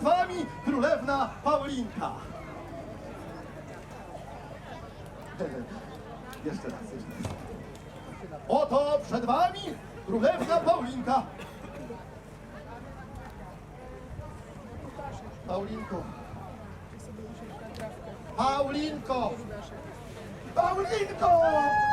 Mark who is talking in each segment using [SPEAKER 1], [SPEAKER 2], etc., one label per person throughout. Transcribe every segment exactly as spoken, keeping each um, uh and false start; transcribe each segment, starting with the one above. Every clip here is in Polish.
[SPEAKER 1] przed wami królewna Paulinka. Jeszcze raz, jeszcze raz. Oto przed wami królewna Paulinka. Paulinko. Paulinko. Paulinko!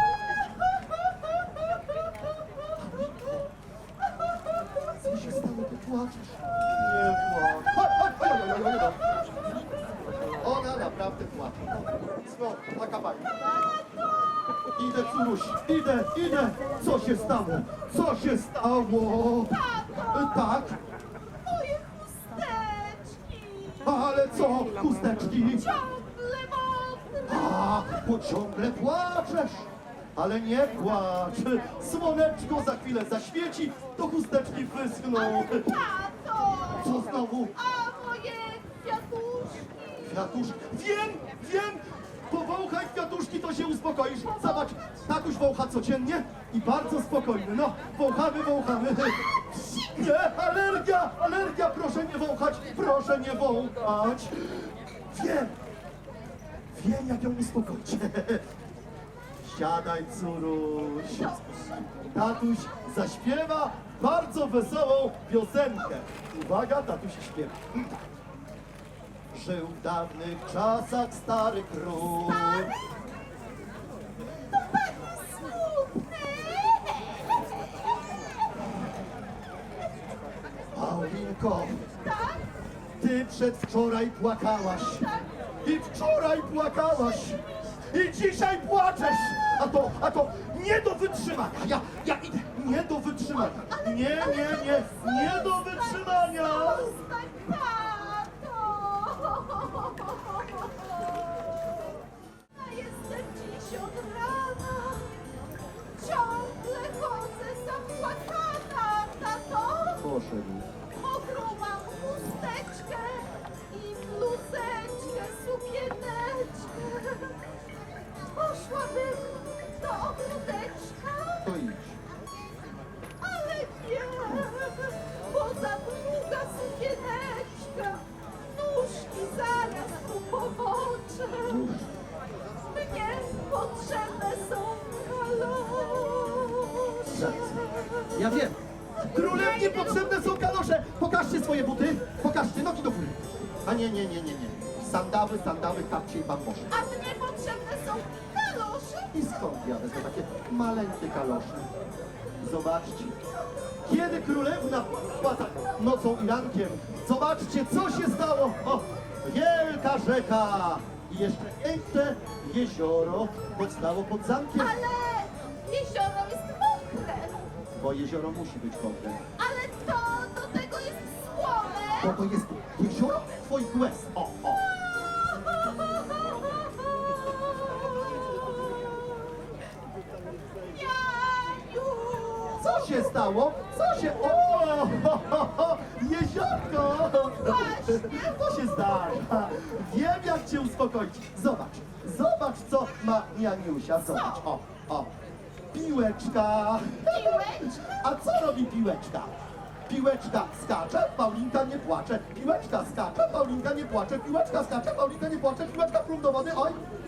[SPEAKER 1] Co się stało? Ty płaczesz? Nie płacz. Chodź, chodź, chodź, chodź, chodź, chodź. Ona naprawdę płacze. No, taka pani. Idę, córuś, idę, idę. Co się stało? Co się stało? Tak?
[SPEAKER 2] Moje chusteczki!
[SPEAKER 1] Ale co? Chusteczki?
[SPEAKER 2] Ciągle mokre!
[SPEAKER 1] A, bo ciągle płaczesz. Ale nie płacz. Słoneczko za chwilę zaświeci, to chusteczki wyschną.
[SPEAKER 2] Ale tato!
[SPEAKER 1] Co znowu?
[SPEAKER 2] A moje kwiatuszki!
[SPEAKER 1] Kwiatuszki. Wiem, wiem. Powąchaj kwiatuszki, to się uspokoisz. Zobacz, tatuś wącha codziennie i bardzo spokojny. No, wąchamy, wąchamy. Nie, alergia, alergia, proszę nie wąchać, proszę nie wąchać. Wiem, wiem jak ją uspokoić. Siadaj, córuś. Tatuś zaśpiewa bardzo wesołą piosenkę. Uwaga, tatuś śpiewa. Żył w dawnych czasach stary król. Paulinko,
[SPEAKER 2] Tak?
[SPEAKER 1] ty przedwczoraj płakałaś. I wczoraj płakałaś. I dzisiaj płaczesz. A to, a to nie do wytrzymania. Ja, ja idę. Nie do wytrzymania. Nie, nie, nie. Nie do wytrzymania.
[SPEAKER 2] Zostań, tato! Ja jestem dziś od rana. Ciągle chodzę zapłakana, tato!
[SPEAKER 1] Poszedł.
[SPEAKER 2] Mokrą mam chusteczkę i bluzeczkę, sukieneczkę. Poszłabym do ogródeczka,
[SPEAKER 1] To idź.
[SPEAKER 2] ale nie, bo za długa sukieneczka. Nóżki zaraz tu poboczę. Mnie potrzebne są kalosze.
[SPEAKER 1] Ja wiem. Królewnie potrzebne są kalosze. Pokażcie swoje buty. Pokażcie nogi do góry. A nie, nie, nie, nie, nie. Sandały, sandały, kapcie i bambosze.
[SPEAKER 2] A mnie potrzebne są kalosze.
[SPEAKER 1] I skąd ja wezmę takie maleńkie kalosze? Zobaczcie. Kiedy królewna płata nocą i rankiem, zobaczcie, co się stało. O, wielka rzeka i jeszcze piękne jezioro powstało pod zamkiem.
[SPEAKER 2] Ale jezioro jest mokre.
[SPEAKER 1] Bo jezioro musi być mokre.
[SPEAKER 2] Ale to do tego jest słone.
[SPEAKER 1] Bo to jest jezioro twoich łez. O, o.
[SPEAKER 2] Jaju!
[SPEAKER 1] Co się stało? Co się... O! Ho, ho, ho, jeziorko! To się zdarza. Wiem, jak cię uspokoić. Zobacz. Zobacz, co ma Janiusia. Zobacz. O, o. Piłeczka.
[SPEAKER 2] Piłeczka?
[SPEAKER 1] A co robi piłeczka? Piłeczka skacze, Paulinka nie płacze. Piłeczka skacze, Paulinka nie płacze. Piłeczka skacze, Paulinka nie płacze. Piłeczka plum do wody. Oj,